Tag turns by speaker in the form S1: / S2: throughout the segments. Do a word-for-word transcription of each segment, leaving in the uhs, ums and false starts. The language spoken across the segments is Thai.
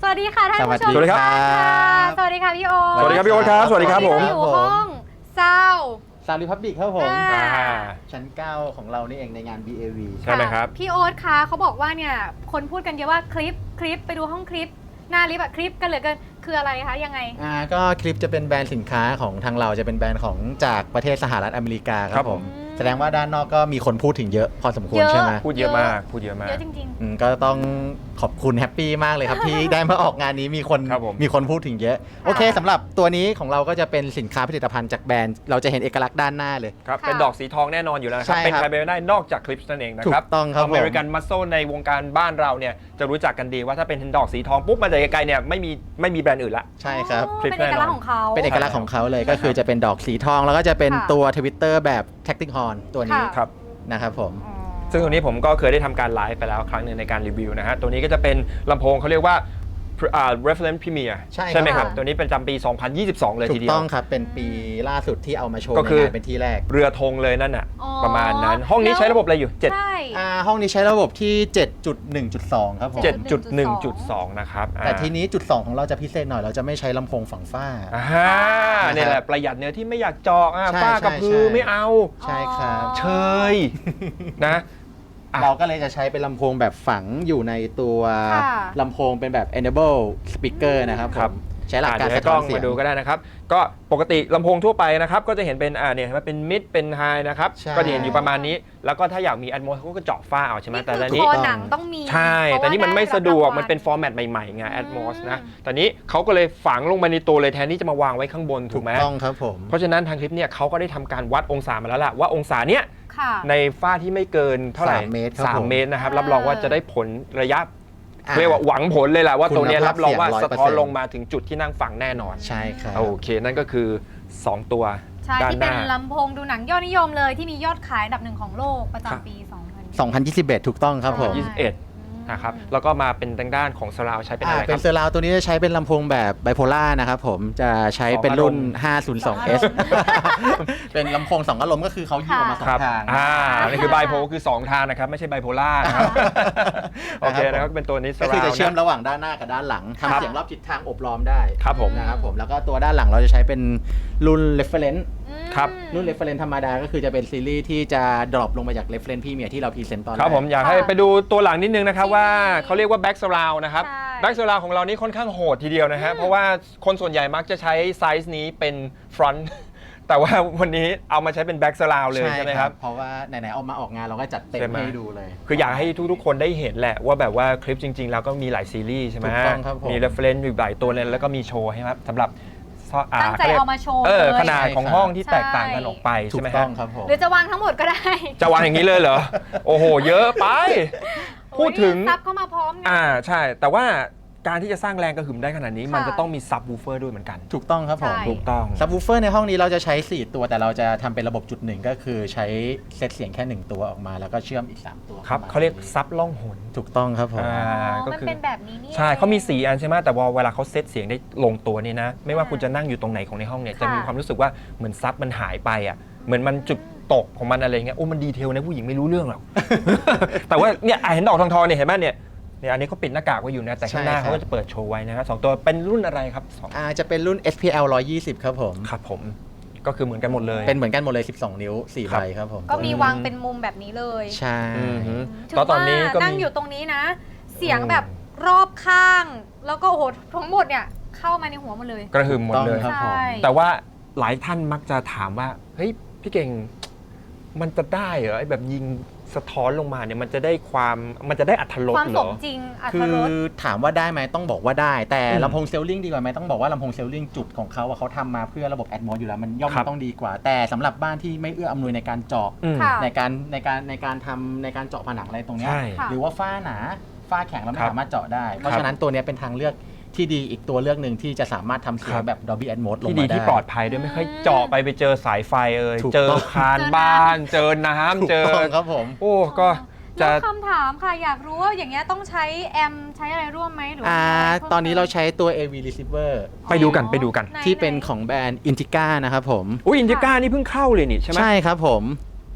S1: สวัสดีค่ะท่านผู้ชม
S2: สวัสดีครับ
S1: สวัสดีค่ะพี่โอ๊ต
S2: สวัสดีครับพี่โอ๊ตครับสวัสดีครับผม
S1: อยู่ห้องเศร้า
S3: ซาวด์ริพับบิกครับผม
S1: อ่า
S3: ชั้นเก้าของเรานี่เองในงาน บี เอ วี
S2: ใช่ไหมครับ
S1: พี่โอ๊ตคะเขาบอกว่าเนี่ยคนพูดกันเยอะว่าคลิปคลิปไปดูห้องคลิปหน้าลิฟต์อะคลิปกันเหลือเกินคืออะไรคะยังไง
S3: อ่าก็คลิปจะเป็นแบรนด์สินค้าของทางเราจะเป็นแบรนด์ของจากประเทศสหรัฐอเมริกาค
S2: ครั
S3: รับบ ผ
S2: ผม ม
S3: แสดงว่าด้านนอกก็มีคนพูดถึงเยอะพอสมควร
S1: เยอะ
S3: ใช่ไหม
S2: พูดเยอะมากพูดเยอะมาก
S1: เยอะจริง
S3: อืมก็ต้องขอบคุณแฮปปี้มากเลยครับ ที่ได้มาออกงานนี้มีคน
S2: ครับผม
S3: มีคนพูดถึงเยอะ โอเคสำหรับตัวนี้ของเราก็จะเป็นสินค้าผลิตภัณฑ์จากแบรนด์เราจะเห็นเอกลักษณ์ด้านหน้าเลย
S2: ครับ
S1: ค่ะ
S2: เป็นดอกสีทองแน่นอนอยู่แล้วนะครับ
S3: ใช่
S2: เป็น
S3: ครับ
S2: ใครไปไม่ได้นอกจากคลิปนั่นเองนะครับ
S3: ถูกต้องครับผม
S2: อเมริกันมัสโซในวงการบ้านเราเนี่ยจะรู้จักกันดีว่าถ้าเป็นดอกสีทองปุ๊บมาจากไกลๆเนี่ยไม่มีไม่มีแบรนด์อื่นละ
S1: ๆ
S3: ใช่ครับ
S1: อ๋อ
S2: คลิป
S1: เป็นเอกลักษณ์ของเขา
S3: เป็นเอกลักษณ์ของเขาเลยก็คือจะเป็นดอกสีทองแล้วก็จะเป็น
S1: ค่ะ
S3: ตัวทวิตเตอร์แบบ Tactic Horn ตัวนี้
S1: ค่ะ
S2: ครับ
S3: นะครับผม
S1: อ๋อ
S2: ซึ่งตรงนี้ผมก็เคยได้ทำการไลฟ์ไปแล้วครั้งหนึ่งในการรีวิวนะฮะตัวนี้ก็จะเป็นลำโพงเขาเรียกว่าอ่า reference premier
S3: ใช่ครับ
S2: ไหมครับ ตัวนี้เป็นจำปี สองพันยี่สิบสอง เลย
S3: ถู
S2: ที
S3: ก
S2: เดียว
S3: ต้องครับ เป็นปีล่าสุดที่เอามาโชว์
S2: ก็
S3: ใน
S2: คือ
S3: งานเป็นที่แรก
S2: เรือธงเลยนั่นน่ะ
S1: อ๋อ
S2: ประมาณนั้น ห้องนี้ใช้ระบบอะไรอยู่
S1: ใช่
S3: อ่าห้องนี้ใช้ระบบที่ เจ็ดจุดหนึ่งจุดสอง ครับผม
S1: เจ็ด
S2: เจ็ดจุดหนึ่งจุดสอง นะครับอ่า
S3: แต่ทีนี้จุดสองของเราจะพิเศษหน่อยเราจะไม่ใช้ลำโพงฝั่งฝ้า
S2: อ่าเนี่ยแหละประหยัดเนื้อที่ไม่อยากเจาะอ่ะ
S3: ใช่
S2: ฝ้ากับ
S3: ใช่
S2: พือ
S3: ใช่
S2: ไม่เอา
S3: ใช่ครับ
S2: เชยนะ อ่ะ
S3: เราก็เลยจะใช้เป็นลำโพงแบบฝังอยู่ในตัว
S1: ค่ะ
S3: ลำโพงเป็นแบบ enable speaker นะครับผมใช้หลักการ
S2: อ่ะเดี๋ยว
S3: สะ
S2: ให้ก
S3: ท้
S2: ล้
S3: อ
S2: อน ง
S3: เสีย
S2: มาง ดูก็ได้นะครับ ก็ปกติลำโพงทั่วไปนะครับ ก็จะเห็นเป็นอ่าเนี่ยเห็นไหมเป็นมิดเป็นไฮนะครับ
S3: ใช่
S2: ก็จะเห็นอยู่ประมาณนี้ แล้วก็ถ้าอยากมีแอดโมเขาก็เจาะฝ้าเอาใช่ไหม
S1: นี่
S2: แต่
S1: คือ
S2: ตอน
S1: ค
S2: นี้
S1: อหนังต้องมี
S2: ใช่
S1: เพราะ
S2: แต่นี่มันไม่
S1: ว่า
S2: สะดวก
S1: ไรับ
S2: มันเป็นฟอร์แมตใหม่ๆไงแอดโมสนะแต่นี้เขาก็เลยฝังลงมาในตัวเลยแทนที่จะมาวางไว้ข้างบนถู
S3: ถู
S2: ก
S3: ก
S2: ไหม
S3: ต้องครับผม
S2: เพราะฉะนั้นทางคลิปเนี่ยเขาก็ได้ทำการวัดองศามาแล้วล่ะว่าองศาเนี้ย
S1: ค่ะ
S2: ในฝ้าที่ไม่เกินเท่าไหร่
S3: สามเมตรครับ
S2: สาม
S3: ผม
S2: เมตรนะครับ
S1: อ่ารั
S2: รับรองว่าจะได้ผลระยะ
S3: อ่า
S2: เรียกว่าหวังผลเลยแหละว่าตัวเนี้ย
S3: คุณภาพ
S2: รับรองว่า
S3: เสียง
S2: สะท้อน
S3: ร้อยเปอร์เซ็นต์
S2: ลงมาถึงจุดที่นั่งฟังแน่นอน
S3: ใช่ครับ
S2: โอเค นั่นก็คือ สอง ตัว
S1: ใช่
S2: ด้าน
S1: ที่
S2: ห
S1: เป็น
S2: น้า
S1: ลำโพงดูหนังยอดนิยมเลยที่มียอดขายอันดับหนึ่งของโลกประจำปี สองพัน
S3: สองพันยี่สิบเอ็ดถูกต้องครับผม
S2: ยี่สิบเอ็ด นะครับแล้วก็มาเป็นทางด้านของสราวใช้เป็นอะไร
S3: อ่า
S2: ค
S3: เป็
S2: รั
S3: น
S2: บ
S3: เซอร์ราวตัวนี้จะใช้เป็นลำโพงแบบไบโพล่านะครับผมจะใช้เป็นรุ่น ห้าศูนย์สองเอส เป็นลำโพงสองอารมณ์ก็คือเขายิงออกมาสอ
S2: ครั
S3: ง
S2: บ
S3: ทาง
S2: อ่านี่คือไบโพลคือสองทางนะครับไม่ใช่ไบโพล่านะครับโอเคนะครับเป็นตัวนี้ส
S3: ก็คือ
S2: ราว
S3: จะเชื่อม
S2: นะ
S3: ระหว่างด้านหน้ากับด้านหลัง
S2: ครับ
S3: ทำเสียงรอบทิศทางอบล้อมได้
S2: ครับผม
S3: นะครับผมแล้วก็ตัวด้านหลังเราจะใช้เป็นรุ่น reference
S2: ครับ
S3: รุ่น reference ธรรมดาก็คือจะเป็นซีรีส์ที่จะดรอปลงมาจาก reference พี่เมียที่เราพรีเซนต์ตอนแรก
S2: ครับผมอยากให้ไปดูตัวหลังนิดนึงนะครับว่าเขาเรียกว่าแบ็กสราวนะครับ
S1: ใช่
S2: แบ็กสราวของเรานี่ค่อนข้างโหดทีเดียวนะฮะเพราะว่าคนส่วนใหญ่มักจะใช้ไซส์นี้เป็นฟรอนต์แต่ว่าวันนี้เอามาใช้เป็นแบ็กสราวเลยใช่ไหมครับ
S3: เพราะว่าไหนๆเอามาออกงานเราก็จัดเต็ม
S2: ใช่ไหม
S3: ให้ดูเลย
S2: คืออยากให้ทุกๆคนได้เห็นแหละว่าแบบว่าคลิปจริงๆ แล้วก็มีหลายซีรีส์ใช่ไหม
S3: ถูกต้องครับผม
S2: มี reference อยู่หลายตัวเลยแล้วก็มีโชว์ให้ครับสำหรับอ่า
S1: ตั้งใจ
S2: ขรียก
S1: เอามาโชว์
S2: เออ
S1: เลย
S2: ขนาดของห้องที่
S1: ใช่
S2: แตกต่างกันออกไป
S3: ถู
S2: ใช่
S3: ก
S2: ไหม
S3: ต้
S2: ฮะ
S3: องครับผม
S1: หรือจะวางทั้งหมดก็ได้
S2: จะวางอย่างนี้เลยเหรอ โอ้โห เยอะไป พูดถึง
S1: โอ้ยซับเข้ามาพร้อมเนี่ย
S2: อ่าใช่ แต่ว่าการที่จะสร้างแรงกระหึ่มได้ขนาดนี้
S1: ค่ะ
S2: มันจะต้องมีซับวูเฟอร์ด้วยเหมือนกัน
S3: ถูกต้องครับผม
S1: ใช่
S2: ถูกต้อง
S3: ซับวูเฟอร์ในห้องนี้เราจะใช้สี่ตัวแต่เราจะทำเป็นระบบจุดหนึ่งก็คือใช้เซตเสียงแค่หนึ่งตัวออกมา แล้วก็เชื่อมอีกสามตัว
S2: ครับ
S3: ม
S2: เขาเรียกซับล่องหน
S3: ถูกต้องครับผม
S2: อ่า
S1: อ๋อ
S2: ก็
S1: มัน
S2: คือ
S1: เป็นแบบนี้นี่
S2: ใช่เขามี
S1: อง
S2: สี่อันใช่ไหมแต่ว่าเวลาเขาเซตเสียงได้ลงตัวนี่นะ ไม่ว่าคุณจะนั่งอยู่ตรงไหนของในห้องเนี่ย
S1: ค่ะ
S2: จะมีความรู้สึกว่าเหมือนซับมันหายไปอ่ะ เหมือนมันจุดตกของมันอะไรเงี้ย โอ้มันดีเทลนะผู้หญิงไม่รู้เรื่องหรอก แต่ว่าเนี่ยอ่ะเห็นดอกทองๆเนี่ยเห็นไหมเนี่ยเนี่ยอันนี้เขาปิดหน้ากากไว้อยู่นะแต่ข้างหน้า
S3: ใช่ครับ
S2: เขาก็จะเปิดโชว์ไว้นะครับสองตัวเป็นรุ่นอะไรครับสอง
S3: อ่าจะเป็นรุ่น เอส พี แอล หนึ่งร้อยยี่สิบครับผม
S2: ครับผม ก็คือเหมือนกันหมดเลย
S3: เป็นเหมือนกันหมดเลย สิบสอง นิ้วสี่
S2: ครับ
S3: ใบครับผม
S1: ก็มีวางเป็นมุมแบบนี้เลย
S3: ใช่
S2: อือฮึ
S1: ถือ
S2: แล้วตอนนี้ก็
S1: ว่านั่ง
S2: มี
S1: อยู่ตรงนี้นะ เสียงแบบรอบข้าง แล้วก็โอ้โหทั้งหมดเนี่ยเข้ามาในหัวหมดเลย
S2: กระหึ่มหมดเลย
S3: ครับผม
S1: ใช่
S2: แต่ว่าหลายท่านมักจะถามว่าเฮ้ยพี่เก่งมันจะได้เหรอไอ้แบบยิงสะท้อนลงมาเนี่ยมันจะได้ความมันจะได้อัตรส
S1: ความ
S2: เหร
S1: ส
S2: อ
S1: มจริงอัต
S3: คื
S1: ร
S3: อ
S1: ส
S3: ถามว่าได้ไหมต้องบอกว่าได้ แต่
S2: อืม
S3: ลำโพงเซลลิงดีกว่าไหมต้องบอกว่าลำโพงเซลลิงจุดของเขาอะเขาทำมาเพื่อระบบแอดมอสอยู่แล้วมันย่อม
S2: ครับ
S3: ต้องดีกว่า แต่สำหรับบ้านที่ไม่เอื้ออำนวยในการเจาะ
S2: อืม
S1: ค่ะ
S3: ในการในการในการทำในการเจาะผนังอะไรตรงเนี้ย
S2: ใช่
S1: ค่ะ
S3: หรือว่าฝ้าหนาฝ้าแข็งเราไม่
S2: ครับ
S3: สามารถเจาะได้ เพ
S2: ครั
S3: ราะ
S2: บ
S3: ฉะนั้นตัวเนี้ยเป็นทางเลือกที่ดีอีกตัวเลือกหนึ่งที่จะสามารถทำเสีย
S2: ครั
S3: ง
S2: บ
S3: แบบ Dolby Atmos ลง
S2: ที่
S3: มา
S2: ดี
S3: ได้
S2: ที่ปลอดภัยด้วยไม่ค่อยเจาะไปไปเจอสายไฟเอ่ย
S3: ถูก
S2: เจอ
S3: ต้อง
S2: คานบ้าน เจอน้ำ
S3: ถูก
S2: เจอ
S3: ต้องครับผม
S2: โอ้ก็จะ
S1: แล้วคำถามค่ะอยากรู้ว่าอย่างเงี้ยต้องใช้แอมใช้อะไรร่วมไหมหรือว่า
S3: อ่า
S1: มีะไรพิ่ม
S3: ตอนนี้เรา
S1: ติม
S3: ใช้ตัว เอ วี Receiver
S2: ไปดูกันไปดูกัน
S1: ไห
S3: ที่เป็นของแบรนด์ Intica นะครับผม
S2: อุ้ยอินดิก้านี่เพิ่งเข้าเลยนี่ใช่ไหม
S3: ใช่ครับผม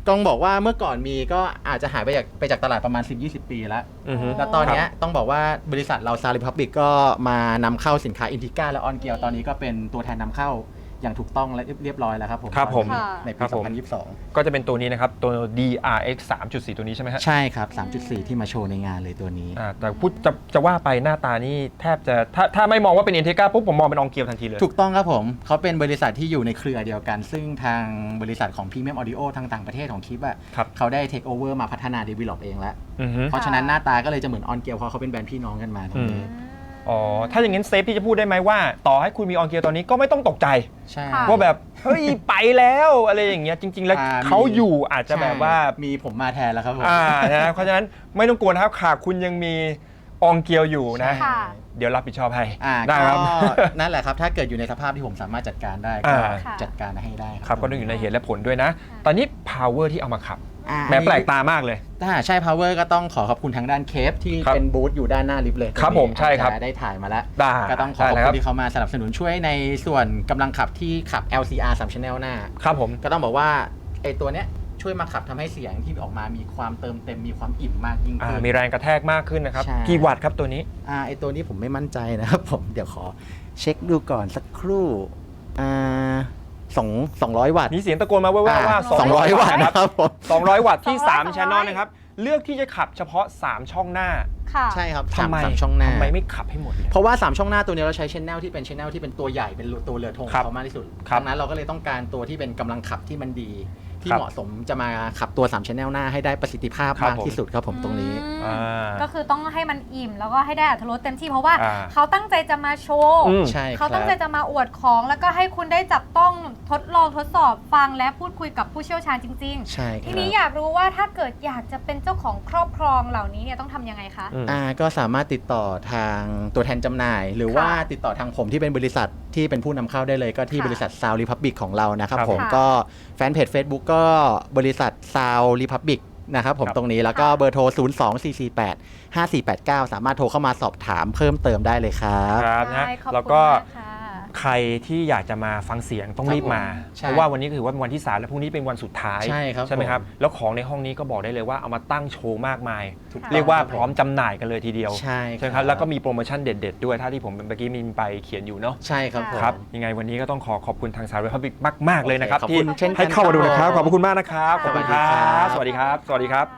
S3: ต้องบอกว่าเมื่อก่อนมีก็อาจจะหายไปจากไปจากตลาดประมาณ สิบถึงยี่สิบ ปีแล้ว
S2: อือฮึ
S3: แล้วตอนเนี้ยต้องบอกว่าบริษัทเราซาริพับบิกก็มานำเข้าสินค้าอินทิก้าและออนเกียวตอนนี้ก็เป็นตัวแทนนำเข้าอย่างถูกต้องและเรียบร้อยแล้วครับผม
S2: ครับผม
S3: ใน
S2: ครั
S3: ปี
S2: บผม
S3: สองพันยี่สิบสอง
S2: ก็จะเป็นตัวนี้นะครับ ตัว ดี อาร์ เอ็กซ์ สามจุดสี่ ตัวนี้ใช่ไหมฮะ
S3: ใช่ครับ สามจุดสี่ ที่มาโชว์ในงานเลยตัวนี้
S2: อ่าแต่พูดจะจะว่าไปหน้าตานี่แทบจะถ้าถ้าไม่มองว่าเป็นเอนเทกาปุ๊บผมมองเป็นอองเกียวทันทีเลย
S3: ถูกต้องครับผมเขาเป็นบริษัทที่อยู่ในเครือเดียวกัน ซึ่งทางบริษัทของ Premium Audio ทางต่างประเทศของคลิปอ่ะ
S2: ครับ
S3: เขาได้ take over มาพัฒนา develop เองแล้ว
S2: อือฮึ
S3: เพราะฉะนั้นหน้าตาก็เลยจะเหมือนออนเกียวเพราะเขาเป็นแบรนด์พี่น้องกันมาตรงนี้
S2: อ๋อ ถ้าอย่างนั้นเซฟที่จะพูดได้ไหมว่าต่อให้คุณมีออนเกียวตอนนี้ก็ไม่ต้องตกใจ
S3: ใช่
S1: ค่ะ
S2: ว่าแบบ เฮ้ย ไปแล้วอะไรอย่างเงี้ยจริง ๆ แล้ว
S3: อ่า
S2: เขาอยู่อาจจะแบบว่า
S3: ใช่มีผมมาแทนแล้วครับผม
S2: อ่านะเพราะฉะนั้นไม่ต้องกลัวนะครับค่ะคุณยังมีอองเกียวอยู่นะ
S1: ค่ะ
S2: เดี๋ยวรับผิดชอบให้
S3: อ่า
S2: ได้
S3: ก็
S2: ครับ
S3: นั่นแหละครับ ถ้าเกิดอยู่ในสภาพที่ผมสามารถจัดการได้
S2: อ่า
S3: ก็
S1: ค่ะ
S3: จัดการให้ได้
S2: ครับก็ต้องอยู่ในเหตุและผลด้วยนะ ตอนนี้ power ที่เอามาขับ
S3: อ่า
S2: แหม้แปลกตามากเลย
S3: ถ้าใช่ power ก็ต้องขอขอบคุณทางด้านเคฟที่
S2: ครับ
S3: เป็นบูธอยู่ด้านหน้าลิฟต์เลย
S2: ครับผมใช่ครับ
S3: อาจจะได้ถ่ายมาแล้ว
S2: ได้
S3: ก็ต้องขอขอบ
S2: ได้เลยค
S3: คุ
S2: รับ
S3: ณที่เขามาสนับสนุนช่วยในส่วนกำลังขับที่ขับ แอล ซี อาร์ สาม Channel หน้า
S2: ครับผม
S3: ก็ต้องบอกว่าไอ้ตัวเนี้ยช่วยมาขับทำให้เสียงที่ออกมามีความเติมเต็มมีความอิ่มมากยิ่ง
S2: อ่า
S3: ขึ้น
S2: มีแรงกระแทกมากขึ้นนะครับ
S3: ใช่
S2: กี่วัตต์ครับตัวนี้
S3: อ่าไอ้ตัวนี้ผมไม่มั่นใจนะครับผมเดี๋ยวขอเช็คดูก่อนสักครู่อ่าสองสองร้อยวัตต์
S2: มีเสียงตะโกนมาแว่วๆว่า
S3: สองร้อยวัตต์
S2: นะ
S3: นะครับผม
S2: สองร้อยวัตต์ที่
S1: สองร้อย
S2: สาม
S1: สองร้อย
S2: channel นะครับ เลือกที่จะขับเฉพาะ สาม ช่องหน้า
S1: ค่ะ
S3: ใช่ครับ
S2: ทำไม
S3: สามช่องหน้า
S2: ทำไมไม่ขับให้หมดเลย
S3: เพราะว่า สาม ช่องหน้าตัวนี้เราใช้ชแนลที่เป็นชแนลที่เป็นตัวใหญ่เป็นตัวเรือธง
S2: ครับ
S3: เขามากที่สุด
S2: ครับ
S3: ดังนั้นเราก็เลยต้องการตัวที่เป็นกำลังขับที่มันดี ที่
S2: ครับ
S3: เหมาะสมจะมาขับตัว สาม channel หน้าให้ได้ประสิทธิภาพ
S2: ครับ
S3: มากที่สุดครับผมตรงนี้
S1: อืม
S2: อ่า
S1: ก็คือต้องให้มันอิ่มแล้วก็ให้ได้อรรถรสเต็มที่เพราะว่า
S2: อ่า
S1: เขาตั้งใจจะมาโชว์
S2: อืม
S3: ใช่ครั
S1: เขา
S3: บ
S1: ตั้งใจจะมาอวดของแล้วก็ให้คุณได้จับต้องทดลองทดสอบฟังและพูดคุยกับผู้เชี่ยวชาญจริง
S3: ใช่ค
S1: ๆ ที
S3: รับ
S1: นี้อยากรู้ว่าถ้าเกิดอยากจะเป็นเจ้าของครอบครองเหล่านี้เนี่ยต้องทำยังไงคะ
S2: อืม
S3: อ่าก็สามารถติดต่อทางตัวแทนจำหน่าย หรือ
S1: ค่ะ
S3: ว่าติดต่อทางผมที่เป็นบริษัทที่เป็นผู้นำเข้าได้เลยก็ที่
S1: ค่ะ
S3: บริษัท Sound Republic ของเรานะครับ
S2: ครับ
S3: ผม
S1: ค่ะ
S3: ก็แฟนเพจ Facebook ก็บริษัท Sound Republic นะครับผม
S2: ครับ
S3: ตรงนี้แล้วก็
S1: ค่ะ
S3: เบอร์โทร ศูนย์ สอง สี่ สี่ แปด ห้า สี่ แปด เก้า สามารถโทรเข้ามาสอบถามเพิ่มเติมได้เลยครับ
S2: ครับนะ
S1: ได้ขอบคุณ
S2: แล้วก็
S1: มากค่ะ
S2: ใครที่อยากจะมาฟังเสียงต้องรีบมา
S3: ใช่
S2: เพราะว่าวันนี้ถือว่าเป็นวันที่สามและพรุ่งนี้เป็นวันสุดท้าย
S3: ใช่ครับ
S2: ไหมครับ
S3: ผม
S2: แล้วของในห้องนี้ก็บอกได้เลยว่าเอามาตั้งโชว์มากมาย
S3: ถูก
S1: ค่ะ
S2: เรียกว่า
S3: ต้ง
S2: พร้อมจำหน่ายกันเลยทีเดียว
S3: ใช่
S2: ใช่ไหมครับแล้วก็มีโปรโมชั่นเด็ด ๆ ด้วยถ้าที่ผมเมื่อกี้มีไปเขียนอยู่เนาะ
S3: ใช่ครับผม
S2: ครับยังไงวันนี้ก็ต้องขอขอบคุณทางสาวรีพับบิกมาก ๆ เลยนะครับ
S3: โอเคขอบ
S2: ที่
S3: คุณเช่นกัน
S2: ให้เข้ามาดูนะครับ
S3: ครับ
S2: ขอบพระคุณมากนะครับขอบคุณครับ ส
S3: สวั
S2: วัส
S3: สดี
S2: ดีค
S3: ครั
S2: รับ
S3: บ
S2: สวัสดีครับ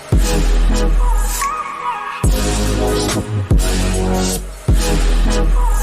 S1: ค่ะ